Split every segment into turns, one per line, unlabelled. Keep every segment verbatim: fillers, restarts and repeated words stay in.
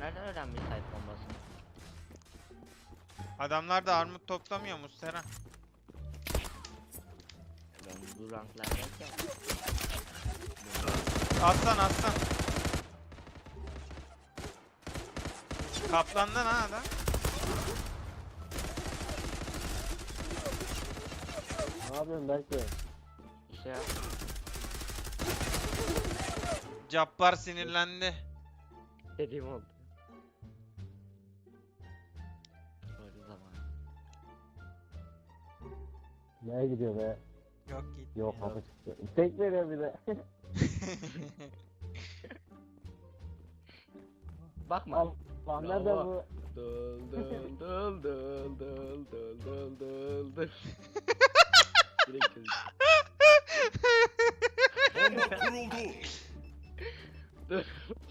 nereden öğrenmiş site bombasını?
Adamlar da armut toplamıyor mu Sera?
Ben bu ranklardayken.
Aslan aslan. Kaplandan ha adam.
Ne yapıyorsun belki?
İşte ya.
Cabbar sinirlendi.
Dediğim oldu. Böyle zaman.
Nereye gidiyor be?
Yok git.
Yok kapı çıktı. Tek veriyor bir de.
Bakma.
Al. Lan nerede
Bravo.
bu?
Dıl dıl dıl dıl dıl dıl dıl dıl dıl. Direkt çözdüm.
Bomba kuruldu.
Dur.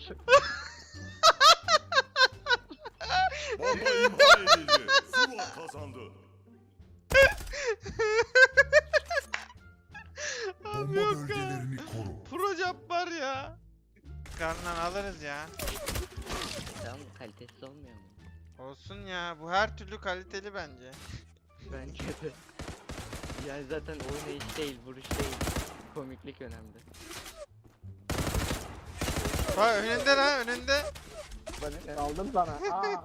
Bomba imha edildi. Zula kazandı.
Abi
Bomba
yok ya.
bölgelerini koru.
Pro Cabbar ya. Karnından alırız ya.
Tamam kalitesiz olmuyor mu?
Olsun ya. Bu her türlü kaliteli bence.
Bence de. Yani zaten oynayış değil, vuruş değil. Komiklik önemli.
Ha önünde lan önünde.
Bana ne?
Aldım sana. Aa.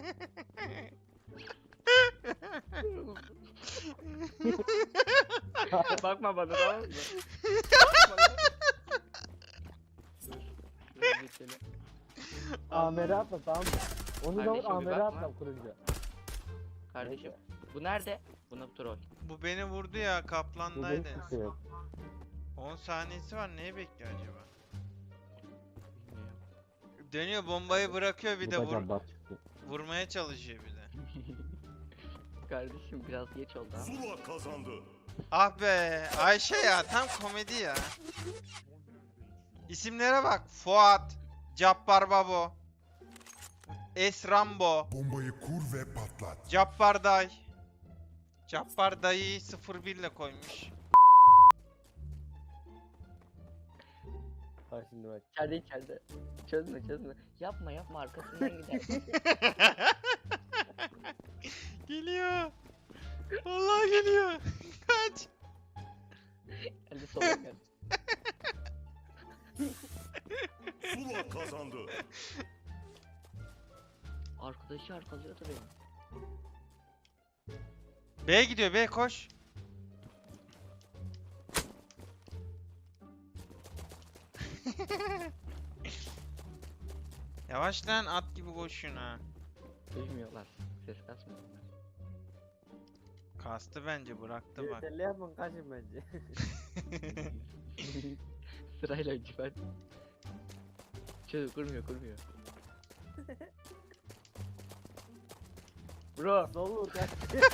Bakma bana tamam mı? Bakma lan. Dur. Dur geçelim.
Amer'e atla tamam mı? Onu da
Kardeşim, bir
Amer'e
bakma.
atla kurunca.
Kardeşim. Bu nerede? Buna troll.
Bu beni vurdu ya
Bu
kaplandaydı.
benim tutuyor.
on saniyesi var. Neye bekliyor acaba?
Bilmiyorum.
Dönüyor bombayı bırakıyor bir de
Bu da
vur,
cabbar çıktı.
vurmaya çalışıyor bir de.
Kardeşim biraz geç oldu ama.
Zula kazandı.
Ah be Ayşe ya tam komedi ya. İsimlere bak. Fuat, Cabbar Babo, Esrambo,
Bombayı kur ve patlat.
Cabbar Day. Cabbar Dayı'yı sıfır bir ile koymuş.
Bak şimdi bak.
İçeride içeride. Çözme çözme. Yapma yapma arkasından gider.
Geliyor. Vallahi geliyor. Kaç.
Hadi sola gel.
Zula kazandı.
Arkadaşı arkalıyor da beni.
B gidiyor B koş. Yavaş lan at gibi koşun ha.
Duymuyorlar. Ses kasmıyor.
Kastı bence bıraktı bak.
Yeterli yapın kaçın bence.
Sırayla önce ben. Çöz kurmuyor kurmuyor. Bro.
Dolu kaç.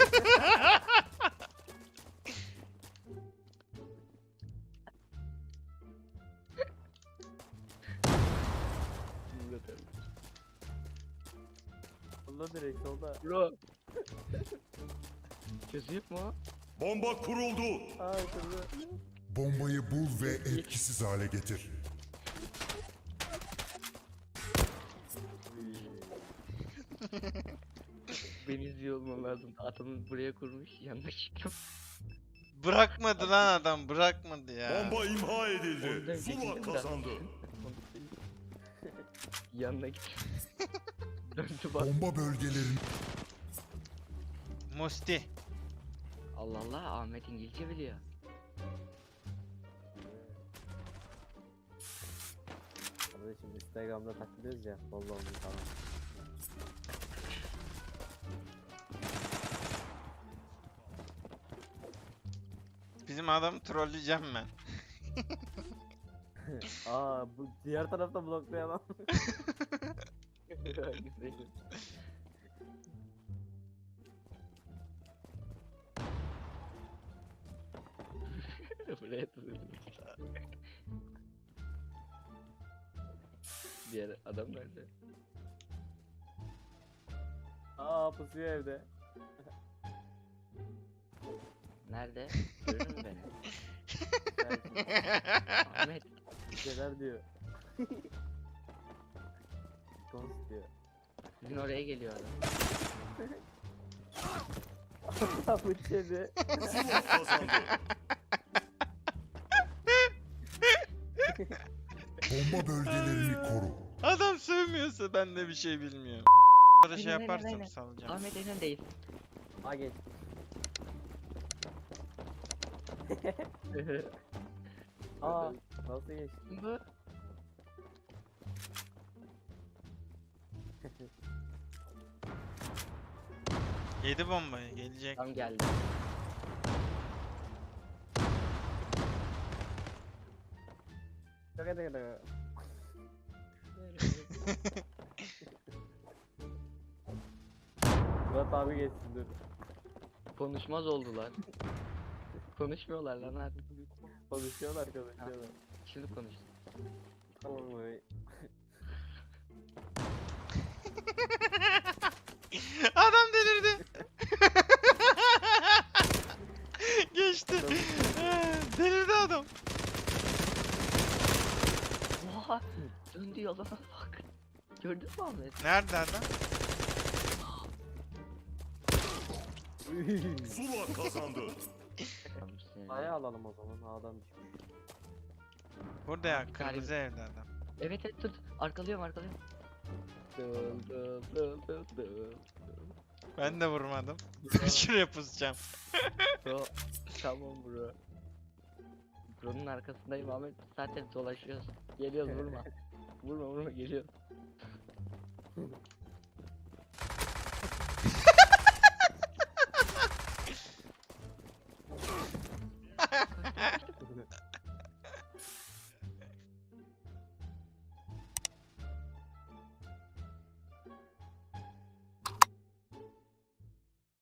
Solda direkt solda.
Bro. Çözüyor mu?
Bomba kuruldu.
Aa şurada.
Bombayı bul ve etkisiz hale getir.
Beni izliyor olmam lazım. Adamı buraya kurmuş. Yanına çıktım.
Bırakmadı lan adam bırakmadı ya.
Bomba imha
Ondan
edildi.
çekildim
Zula
de.
kazandı.
Yanına gittim. Döndü bak.
Bomba bölgelerini
Musti.
Allah Allah Ahmet İngilizce biliyor.
Kardeşim Instagram'da takılıyoruz ya. Follow me falan.
Bizim adamı trolleyeceğim ben.
Aa bu diğer tarafta blokluyor adam.
Güzel. Buraya tutuyorum. Diğer adam nerede?
Aa pusuyor evde.
Nerede? Görür mü beni?
Belki
Ahmet.
bir şeyler diyor. Konst diyor.
Sizin oraya geliyor adam.
Bıç yedi.
Zula kazandı.
Bomba bölgelerini koru.
Adam sövmüyorsa ben de bir şey bilmiyorum. Böyle şey
Aynen, aynen,
yaparsam
aynen.
salacağım.
Ahmet Eren değil.
Ha geç. Aa nasıl geçti?
Bu.
Yedi bombayı gelecek.
Tam geldi.
Şaka şaka. Murat abi geçsin dur.
Konuşmaz oldular. Konuşmuyorlar lan artık.
Konuşuyorlar konuşuyorlar.
Şimdi konuş.
Tamam abi.
Adam delirdi. Geçti. Delirdi adam.
Oha! Döndü yoluna bak. Gördün mü Ahmet?
Nerede adam?
Zula kazandı.
A'ya alalım o zaman. A'dan düşmüş.
Burada ya
Bir
kırmızı
tane-
evde adam.
Evet evet tut. Arkalıyorum arkalıyorum. Dıl dıl dıl dıl dıl.
Ben de vurmadım. Şuraya pusacağım.
Bro. Tamam bro. Bro'nun arkasındayım Ahmet. Zaten dolaşıyoruz. Geliyoruz vurma. Vurma vurma geliyoruz.